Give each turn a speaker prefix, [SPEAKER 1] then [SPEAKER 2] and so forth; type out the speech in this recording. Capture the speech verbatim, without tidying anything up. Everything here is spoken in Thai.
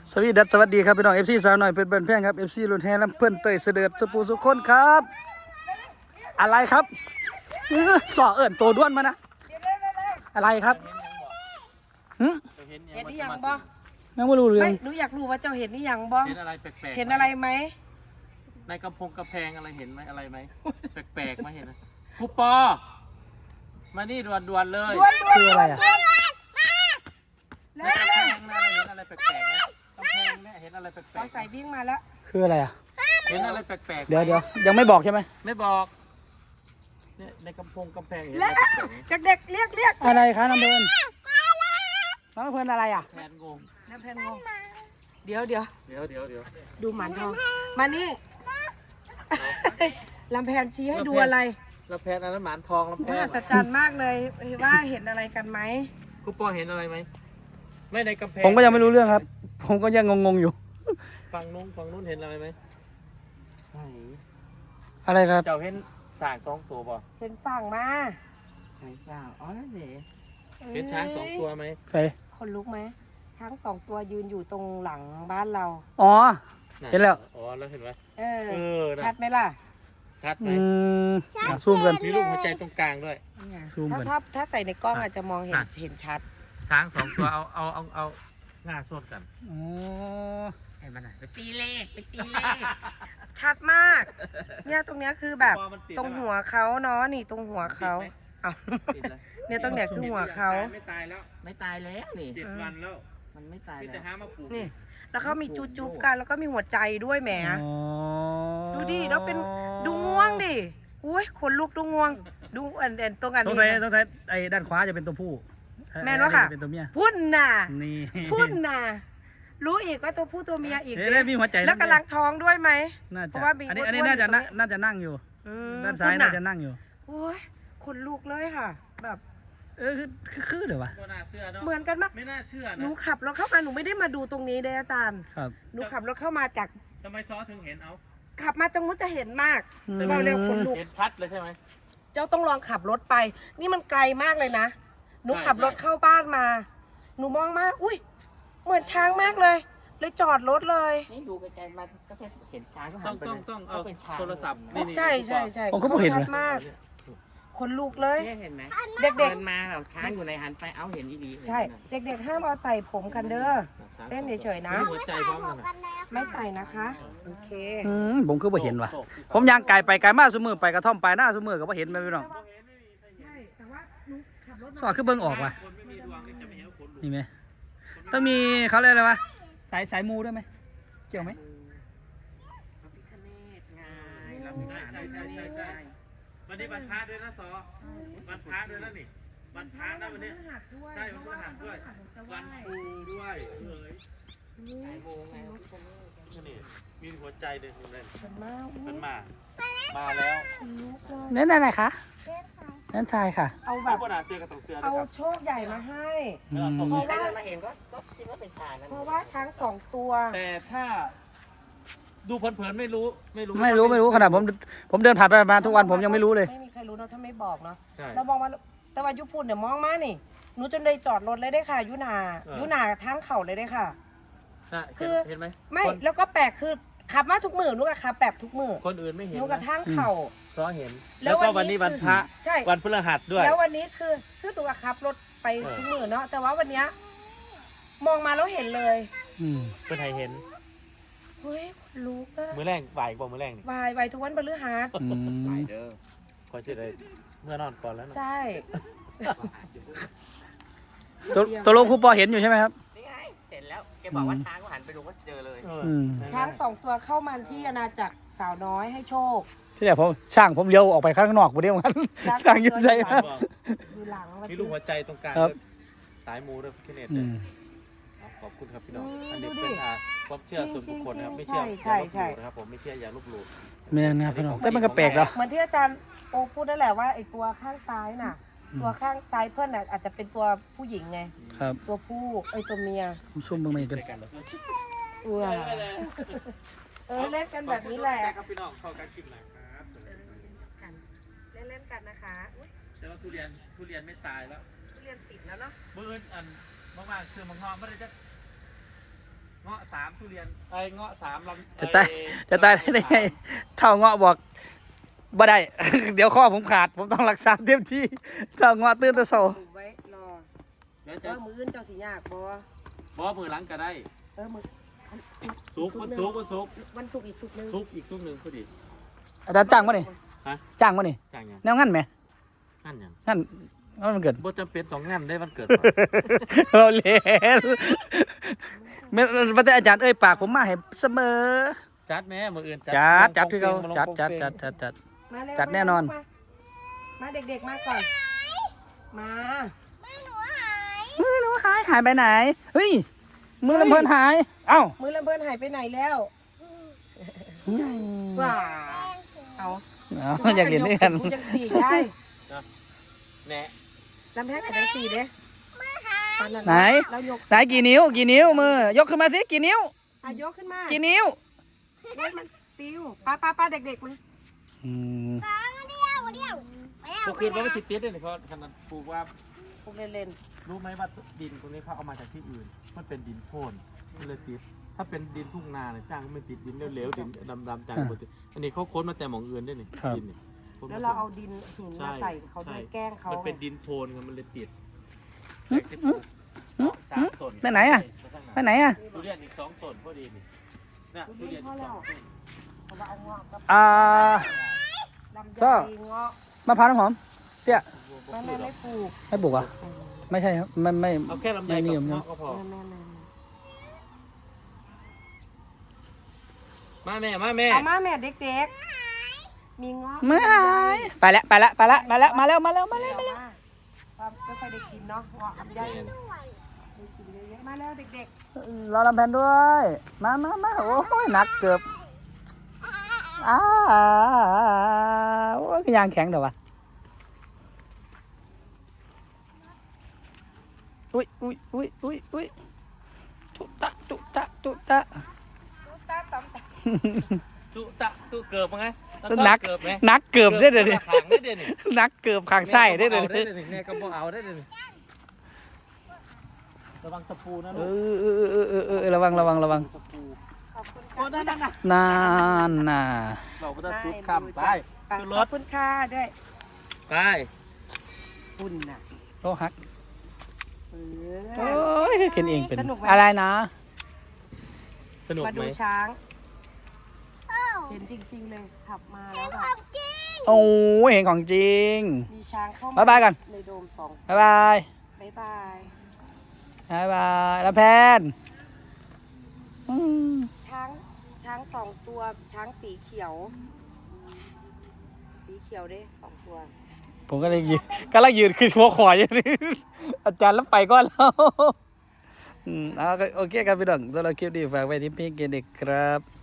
[SPEAKER 1] สวีดัสสวัสดีครับพี่น้องเอฟซีสาวหน่อยเป็นเบิร์นแพงครับเอฟซีรุ่นแฮลำเพื่อนเตยเสด็จสุปูสุคนครับอะไรครับสอเอิญตัวด้วนมานะอะไรครับหึ
[SPEAKER 2] เห็นหรือยังบ่
[SPEAKER 1] ยังไม่รู้เรื่อ
[SPEAKER 2] ไม่
[SPEAKER 1] ง
[SPEAKER 2] หนูอยากรู้ว่าเจ้าเห็นหรือยังบ่
[SPEAKER 3] เห็นอะไรแปลกๆ
[SPEAKER 2] เห็นอะไรไหม
[SPEAKER 3] ในกำพงกระแพงอะไรเห็นไหมอะไรไหมแปลกๆไหมเห็นไหมครูปอมานี่ด่วนๆเลย
[SPEAKER 2] ด้วนด้วน
[SPEAKER 1] คืออะไรอ่ะ
[SPEAKER 3] ในกระแพงนะเห็นอะไรแปลกๆไหมกำแพงเนี่ยเห็นอะไรแปล
[SPEAKER 2] เอา
[SPEAKER 3] ก
[SPEAKER 2] ใส่วิ่งมาแล้ว
[SPEAKER 1] คืออะไรอ่ะ
[SPEAKER 3] ๆเห็นอะไรแปลกๆไหม
[SPEAKER 1] เดี๋ยวเดี๋ยวยังไม่บอกใช่ไหม
[SPEAKER 3] ไม่บอกเนี่ยในกำพงกำแพงเห็นอะ
[SPEAKER 2] แล้
[SPEAKER 3] ไร
[SPEAKER 2] ว
[SPEAKER 3] แปลกๆไหม
[SPEAKER 2] เด็กๆเรียกเรียก
[SPEAKER 1] อะไรคะน้ำเพลินน้ำเพลินอะไรอ่ะ
[SPEAKER 3] แพนงง
[SPEAKER 2] น้ำแพนงงเดี๋ยวเดี๋ยว
[SPEAKER 3] เดี๋ยวเดี๋ยวเดี๋ยว
[SPEAKER 2] ดูหมันทองมานี่ ลำแพนชี้ให้ดูอะไร
[SPEAKER 3] แล้วแพนอันนั้นหมานทองแล้วแพ
[SPEAKER 2] มหั
[SPEAKER 3] น
[SPEAKER 2] ศจรรย์มากเลยว่าเห็นอะไรกันไหม
[SPEAKER 3] ครูปอเห็นอะไรไหมไม่ในกำแพง
[SPEAKER 1] ผมก็ยังไม่รู้เรื่องครับ ผมก็ยังงงๆอยู่
[SPEAKER 3] ฝั่งนู้นฝั่งนู้นเห็นอะไรไหมไหน
[SPEAKER 1] อะไรครับ
[SPEAKER 3] เจ้าเห็นสางสองตัวป่ะ
[SPEAKER 2] เห็นสั่งมา
[SPEAKER 3] ไหนสางอ๋อนั่นเองเห็นช้างสองตัวไหม
[SPEAKER 1] ใส่
[SPEAKER 2] คนลุกไหมช้างสองตัวยืนอยู่ตรงหลังบ้านเรา
[SPEAKER 1] อ๋อ
[SPEAKER 3] น่ะ
[SPEAKER 1] เห็นแล้ว
[SPEAKER 3] อ๋อแล้วเห็นไหม
[SPEAKER 2] เออ
[SPEAKER 3] เออน่ะ
[SPEAKER 2] ชัดไหมล่ะ
[SPEAKER 3] ชัดไหม
[SPEAKER 1] อืมอ่ะซูมกัน
[SPEAKER 3] มีรูปหัวใจตรงกลางด้วย
[SPEAKER 1] ซูม
[SPEAKER 2] ถ้า
[SPEAKER 1] ก่อน
[SPEAKER 2] ถ้าถ้าใส่ในกล้องอาจจะมองเห็น
[SPEAKER 3] อ่ะ
[SPEAKER 2] เห็นชัด
[SPEAKER 3] ช้างสองตัวเอาเอาเอาเอาหน้าส่วนกัน
[SPEAKER 1] อ๋อ
[SPEAKER 3] เห็นมันไหนไปตี
[SPEAKER 2] ตีเลขไปตีเลข ชัดมาก เนี่ยตรงเนี้ยคือแบบตรงหัวเขาเนาะนี่ตรงหัวเขาเอาเนี่ยตรงเนี้ยคือหัวเขา
[SPEAKER 3] ไม่ตายแล้ว
[SPEAKER 4] ไม่ตายแล้วนี่
[SPEAKER 3] เจ็ดวันแล้ว
[SPEAKER 4] มันไม่ตาย
[SPEAKER 3] พี่
[SPEAKER 4] แล้
[SPEAKER 3] จะ
[SPEAKER 4] ว
[SPEAKER 3] หามาปลูก
[SPEAKER 2] นี่ แล้วเขามีจุ๊บจุ๊บกันแล้วก็มีหัวใจด้วยแหม
[SPEAKER 1] อ๋อ
[SPEAKER 2] ดูดิแล้วเป็นดูง่วงดิอุ้ยขนลุกดูง่วง ดูอันอันตรงอัน
[SPEAKER 1] สง
[SPEAKER 2] นี้
[SPEAKER 1] สัย
[SPEAKER 2] นะ
[SPEAKER 1] สงสัยไอ้ด้านขวาจะเป็นตัวผู้
[SPEAKER 2] แม่นวะค่ะ
[SPEAKER 1] ไอ้นี่จเป็นตัวเมีย
[SPEAKER 2] พุ่นน่ะ
[SPEAKER 1] นี่
[SPEAKER 2] พุ่นน่ะรู้อีกว่าตัวผู้ตัวเมียอีก
[SPEAKER 1] เอ๊ะแล้วมีหัวใจ
[SPEAKER 2] แล้วกำลังท้องด้วยไหม
[SPEAKER 1] น่า
[SPEAKER 2] เพ
[SPEAKER 1] จะ
[SPEAKER 2] ราะว่ามี
[SPEAKER 1] อันนี้
[SPEAKER 2] อ้วนๆ
[SPEAKER 1] อันนี้น่าจะ
[SPEAKER 2] อยู่ตรงนี้
[SPEAKER 1] น่าจะนั่งอยู่
[SPEAKER 2] อืม
[SPEAKER 1] ด้านซ้าย
[SPEAKER 2] พุ่
[SPEAKER 1] น่าจะนั่งอยู่
[SPEAKER 2] โอ้ยขนลุกเลยค่ะ แบบ
[SPEAKER 1] เออคือคือคือเดี๋ยววะ
[SPEAKER 3] ก็น่าเชื่อเนาะ
[SPEAKER 2] เหมือนกันมาก
[SPEAKER 3] ไม่น่าเชื่อ
[SPEAKER 2] หนู
[SPEAKER 3] นะ
[SPEAKER 2] ขับรถเข้ามาหนูไม่ได้มาดูตรงนี้เลยอาจารย์
[SPEAKER 1] ครับ
[SPEAKER 2] หนูขับรถเข้ามาจาก
[SPEAKER 3] ทำไมซอถึงเห็นเอา
[SPEAKER 2] ขับมาจังมุจะเห็นมาก
[SPEAKER 1] อืม
[SPEAKER 2] เราเร็วขนลุก
[SPEAKER 3] เห็นชัดเลยใช่ไหม
[SPEAKER 2] เจ้าต้องลองขับรถไป นี่มันไกลมากเลยนะ หนู
[SPEAKER 3] ใช่
[SPEAKER 2] ขับรถ
[SPEAKER 3] ใช่
[SPEAKER 2] เข้าบ้านมา หนูมองมาอุ้ย เหมือนช้างมากเลย เลยจอดรถเลย
[SPEAKER 4] นี่ดูไกลๆมาก็เห็นช้างก็หั
[SPEAKER 3] ต้อน ง
[SPEAKER 4] ไป
[SPEAKER 3] ต้องต้องเอา
[SPEAKER 4] เป็นช้าง
[SPEAKER 3] โทรศัพท์นี่นี่
[SPEAKER 2] ใช่ใช่ใช่
[SPEAKER 1] ผมก็ไม่เห็น
[SPEAKER 2] ชั
[SPEAKER 1] เล
[SPEAKER 2] ด
[SPEAKER 1] ย
[SPEAKER 2] มากขนลุกเลย
[SPEAKER 4] เนี่ยเห็นไหม
[SPEAKER 2] เด็ก
[SPEAKER 4] เดินมาแบบช้างอยู่ในหันไปเอ้าเห็นอีดี
[SPEAKER 2] ๆ ใช่ เด็กๆห้ามเอาใส่ผมกันเด้อ เล่นเฉยๆนะ
[SPEAKER 3] มีหัวใจพร้อมกันนะ
[SPEAKER 2] ไม่ใส่นะคะ โอเค
[SPEAKER 1] อืมผมคือบ่เห็นว่ะผมยางไก่ไปไก่มาสมือไปกระท่อมไปหน้าสมือก็บ่เห็นแม่พี่น้อง
[SPEAKER 2] ใช่ แต่ว่าหนูขับรถ
[SPEAKER 1] สอดคือเบิ่งออกว่ะ
[SPEAKER 3] คนไม่มีดวงนี่จะไม่เห็นว่าขนลุก
[SPEAKER 1] นี่ไหมต้องมีเขาเรียกอะไรวะสายสายมูด้วยไหมเกี่ยวไหม
[SPEAKER 4] พระพิฆเนศไง
[SPEAKER 3] ใช่
[SPEAKER 4] ลำ
[SPEAKER 3] ใช่
[SPEAKER 4] สา
[SPEAKER 3] ใช่ใช่ใช่ใช่วันนี้วันพระด้วยนะซอวันพระด้วยนะนี่วันพระนะวันนี้
[SPEAKER 2] หัดด้วย
[SPEAKER 3] ใช่วันพฤหัสด้วย วันครูด้วยเอ้ย
[SPEAKER 4] ไอ้โมงไงพระพิฆเนศ
[SPEAKER 3] นี่มีหัวใจเลยคุณเล่น
[SPEAKER 2] เห็นมาก
[SPEAKER 3] มันมา มาแล้ว
[SPEAKER 1] นั่นอะไรคะนั่นทายค่ะ
[SPEAKER 2] เอาแบ
[SPEAKER 3] เอา
[SPEAKER 2] บ
[SPEAKER 3] ปนาเสือกับตรงเสือนะ
[SPEAKER 2] เอา
[SPEAKER 3] ครับ
[SPEAKER 2] โชคใหญ่มาให้
[SPEAKER 1] อืม
[SPEAKER 2] เพราะ
[SPEAKER 4] ใคร
[SPEAKER 2] ว่า
[SPEAKER 4] เดินมาเห็นก็ก็คิดว่าเป็นช้างนั่น
[SPEAKER 2] เพราะว่าช้างสองตัว
[SPEAKER 3] แต่ถ้าดูเผินๆไม่รู้ไม่รู้
[SPEAKER 1] ไม่รู้ไม่รู้ขนาดผมผมเดินผ่านไปมาทุกวันผมยังไม่รู้เลย
[SPEAKER 2] ไม่มีใครรู้เนาะถ้าไม่บอกเนาะ
[SPEAKER 3] ใช่
[SPEAKER 2] เรามองมาแต่ว่ายุพูนเดี๋ยวมองมานี่หนูจนได้จอดรถเลยได้ค่ะ ยุนา
[SPEAKER 3] เออ
[SPEAKER 2] ยุนาทางเข่าเลยได้ค่ะ
[SPEAKER 3] น่ะ
[SPEAKER 2] คือ
[SPEAKER 3] เห็นไหม
[SPEAKER 2] ไม่
[SPEAKER 3] คน
[SPEAKER 2] แล้วก็แปลกคือขับมาทุกมือหนูก็ขับแบบทุกมือ
[SPEAKER 3] คนอื่นไม่เห็น
[SPEAKER 2] หนูกระ
[SPEAKER 3] นะ
[SPEAKER 2] ทั่งเข่า
[SPEAKER 3] ซอเห็น
[SPEAKER 2] แล้
[SPEAKER 3] แล้ว วก็
[SPEAKER 2] วั
[SPEAKER 3] วัน
[SPEAKER 2] นนี้
[SPEAKER 3] นี้วันพระ
[SPEAKER 2] ใช่
[SPEAKER 3] วันพฤหัสด้วย
[SPEAKER 2] แล้ววันนี้คือคือหนูก็ขับรถไป
[SPEAKER 3] เออ
[SPEAKER 2] ทุกมือเนาะแต่ว่าวันเนี้ยมองมาแล้วเห็นเลย
[SPEAKER 1] อืม
[SPEAKER 3] เป็นไทยเห็น
[SPEAKER 2] เฮ้ยคนลุกอะ
[SPEAKER 3] มือแรงบ่ายบอกมือแรงนี่
[SPEAKER 2] วายวายทุกวันพฤหัส
[SPEAKER 1] อืม
[SPEAKER 4] ไปเด้อ
[SPEAKER 3] คอยเชื่อเลยเมื่อนอนก่อนแล้วนะ
[SPEAKER 2] ใช่
[SPEAKER 1] ตัวตัวลงครูปอเห็นอยู่ใช่ไหมครับ
[SPEAKER 4] นี่ไงเห็นแล้วแกบอกว่าช้างก็หันไปดูก็เจอเลย
[SPEAKER 3] เออ
[SPEAKER 1] อืม
[SPEAKER 2] ช้างสองตัวเข้ามาที่อาณาจักรสาวน้อยให้โชค
[SPEAKER 1] ที่แรกผมช่างผมเลี้ยวออกไปข้างนอกผมเดียวกันช่างอยุ่งใจ
[SPEAKER 3] บอก
[SPEAKER 2] ดูหลัง
[SPEAKER 3] มีลูกหัวใจตรงกลาง
[SPEAKER 1] ครับ
[SPEAKER 3] สายมูด้วยพี่เนต
[SPEAKER 1] อื
[SPEAKER 3] เลย
[SPEAKER 1] ม
[SPEAKER 3] ขอบคุณครับพี่น้องอันนี้เป็นอ่าความเชื่อส่วนบุคคลนะครับไม่เชื่ออย่าลบหลู่นะครับผมไม่เชื่ออย่าลบหลู่
[SPEAKER 1] แม่นะครับพี่น้องแต่มันก็แปลกแล้ว
[SPEAKER 2] เหมือนที่อาจารย์โอพูดนั่นแหละว่าไอ้ตัวข้างซ้ายน่ะ
[SPEAKER 1] อืม
[SPEAKER 2] ตัวข้างซ้ายเพื่อนน่ะอาจจะเป็นตัวผู้หญิงไง
[SPEAKER 1] ครับ
[SPEAKER 2] ตัวผู้เอ้ยตัวเมีย
[SPEAKER 1] ผมซุ่มเบิ่งไม่กัน
[SPEAKER 2] เออเออเล่นกันแบบนี้แหละ
[SPEAKER 3] ครับพี่น้องเข้ากันกินนะครับ
[SPEAKER 2] เล่นเล่นๆกันนะคะอุ๊ย
[SPEAKER 3] แต่ว่าทุเรียนทุเรียนไม่ตายแล้ว
[SPEAKER 2] เรียนติดแล้วเนาะ
[SPEAKER 3] เมื่ออื่นอันมากๆคือมังงอไม่ได้จะงอาะสามทุเรียนไอ้เงาะสามลำ
[SPEAKER 1] จะตายจะตายได้ไงเท่าเงาะบอกบ่ได้ เดี๋ยวข้อผมขาดผมต้องรักษาเต็มที่เท่าเงาะตื่นแตะโซ
[SPEAKER 2] ไว้รอ
[SPEAKER 3] เดี๋ยว
[SPEAKER 2] เอ
[SPEAKER 3] จะ
[SPEAKER 2] อมืออื่นเจ้าสิยากบ่
[SPEAKER 3] บอมือหลังก็ได้
[SPEAKER 2] เออมือ
[SPEAKER 3] ซุกมันซุกมันซุก
[SPEAKER 2] วันศุกร์อีกศุกร์หนึง
[SPEAKER 3] ซุกอีกซุกหนึ่งพอดี
[SPEAKER 1] อาจารย์จ้างมานี่
[SPEAKER 3] ฮะ
[SPEAKER 1] จ้างมานี่
[SPEAKER 3] จ้างยัง
[SPEAKER 1] แนวงั้นไหม
[SPEAKER 3] งั้นยัง
[SPEAKER 1] งั้นงั้นมันเกิด
[SPEAKER 3] บ่จำเป็นต้องงั้นได้วันเกิด
[SPEAKER 1] เราเล่นเมื่อวันแต่อาจารย์เอ้ยปากผมมาให้เสมอ
[SPEAKER 3] จัดแม่มืออื่น
[SPEAKER 1] จัดจัดที่เขาจัดจัดจัดจัดจัด
[SPEAKER 2] มาเร็ว
[SPEAKER 1] จัดแน่นอน
[SPEAKER 2] มามาเด็กๆมาก่อน มา
[SPEAKER 1] มือหนูหายหายไปไหนเฮ้ยมือลำเพลินหายเอ้า
[SPEAKER 2] มือลำเบินหายไปไหนแล้วว้าเอา
[SPEAKER 1] เอาอยากเห็นด้วยกัน
[SPEAKER 2] กูจังสี่ได้
[SPEAKER 3] แหน่
[SPEAKER 2] ลำแพงกับจังสี่เด้ตอนนั้น
[SPEAKER 1] ไหน
[SPEAKER 2] เรายก
[SPEAKER 1] ไหนกี่นิ้วกี่นิ้วมือยกขึ้นมาสิกี่นิ้ว
[SPEAKER 2] อ่ะยกขึ้นมา
[SPEAKER 1] กี่นิ้ว
[SPEAKER 2] เฮ้ยมันปิวป้าป้าป้าเด็กๆมา
[SPEAKER 1] อืม
[SPEAKER 3] ก็คือว่ามันติดติดเลยเพราะขนาดปลูกว่า
[SPEAKER 2] พวกเล่น
[SPEAKER 3] รู้ไหมว่าดินตรงนี้เขาเอามาจากที่อื่น มันเป็นดินโคลนมันเลยติด ถ้าเป็นดินทุ่งนาเนี่ยจ้างก็ไม่ติดดินเหลวๆดินดำๆจ้างก็ติดอันนี้เขาค้นมาแต่หมองอื่นด้วยนี่ดินนี่ค้น
[SPEAKER 2] ๆ
[SPEAKER 3] ม
[SPEAKER 2] แล้วเราเอาดินหินมาใส่เขาด้วยแกล้งเขา
[SPEAKER 3] มันเป็นดินโคลนไงมันเลยติดสามต้น
[SPEAKER 1] ไปไหนอ่ะไปไหนอ่ะ
[SPEAKER 3] ทุเรียนอีกสองต้นพอดีนี่เนี่ยทุเรียนอีกสองต้น
[SPEAKER 2] เขาว่าเอาเงาะกับ
[SPEAKER 1] อ่า
[SPEAKER 2] ลำไย
[SPEAKER 1] ซ่อ
[SPEAKER 2] เงาะ
[SPEAKER 1] มะพร้าวน้ำหอมเตี้ย
[SPEAKER 2] แม่แม่ไม่ปลูก
[SPEAKER 1] ไม่ปลูกเหรอ่ะไม่ใช่ครับไม่ไม่
[SPEAKER 3] เอาแค่ลำไย
[SPEAKER 1] ไม่นิ
[SPEAKER 3] กั
[SPEAKER 1] ย
[SPEAKER 3] บ
[SPEAKER 1] ม
[SPEAKER 3] เงาะก็พอ
[SPEAKER 2] แม่แม่แม่
[SPEAKER 3] มาแม่มาแม่
[SPEAKER 2] เอามาแม่เด็กๆ มีเงาะ
[SPEAKER 1] ไม่หายไปแล้วไปแล้วไปแล้วมาแล้วมาแล้วมาแล้วมา
[SPEAKER 2] มา
[SPEAKER 1] แล้
[SPEAKER 2] แล้ว ว
[SPEAKER 1] มาแล้ว
[SPEAKER 2] มาก็ค่อยได้กินเนาะเงาะลำไยได้กินเยอะๆมาแล้วเด็ก
[SPEAKER 1] รอลำแพนด้วยมามามาโอ้ยหนักเกือบอ้าโอ้ยยางแข็งเดี๋ยววะอุ้ยอุ้ยอุ้ยอุ้ยอุ้ยตุตะตุตะตุตะ
[SPEAKER 2] ๆตุ๊ตาตำตา
[SPEAKER 3] ตุตะตุเกิบมั้งไง
[SPEAKER 1] นัก
[SPEAKER 3] เกิบไหม
[SPEAKER 1] นักเกือบได้เลยดิ
[SPEAKER 3] ขางได้เดี๋ยวนี้
[SPEAKER 1] นักเกือบขางไส้ได้เลย
[SPEAKER 3] ได้
[SPEAKER 1] ดิ
[SPEAKER 3] เดี๋ยวนี้แม่ก็บอกเอาได้เดี๋ยวนี้ระวังตะปูนะ
[SPEAKER 1] เอ
[SPEAKER 3] ลูก
[SPEAKER 1] อเออเออเออเออระวังระวังระวัง
[SPEAKER 3] ตะปู
[SPEAKER 2] ขอบคุณ
[SPEAKER 3] โอ้นั่นน่ะ
[SPEAKER 1] นานน่ะ
[SPEAKER 3] เราก็จะชุบข้ามไป
[SPEAKER 2] ข
[SPEAKER 3] ขึ้นร
[SPEAKER 2] อ
[SPEAKER 3] ถ
[SPEAKER 2] บคุณค่ะด้วย
[SPEAKER 3] ไป
[SPEAKER 2] คุณน่ะ
[SPEAKER 1] โลหัก
[SPEAKER 2] เอ
[SPEAKER 1] โอ้
[SPEAKER 2] อย
[SPEAKER 1] กินเองเป็น
[SPEAKER 2] สนุกไหม
[SPEAKER 1] อะไรนะ
[SPEAKER 3] สนุก
[SPEAKER 2] มา
[SPEAKER 3] ไหม
[SPEAKER 2] ดูช้าง เห็นจริงๆเลยขับมาแล้วแบบ
[SPEAKER 1] โอ้ยเห็นของจริง
[SPEAKER 2] มีช้างเข้ามา
[SPEAKER 1] บ๊ายบายก่อน
[SPEAKER 2] ในโดมสอง
[SPEAKER 1] บ๊ายบาย
[SPEAKER 2] บ๊ายบาย
[SPEAKER 1] บ๊ายบายแล้วแพนอืม
[SPEAKER 2] ช้างช้างสองตัวช้างสีเขียว สีเขียวเด้สองตัว
[SPEAKER 1] ผมก็เลยยืนก็เลยยืนขึ้นหัวขวายอย่างนี้ อาจารย์แล้วไปก่อนแล้ว อืมเอาโอเคครับพี่น้องสำหรับคลิปนี้ฝากไว้ที่พี่เกเด็กครับ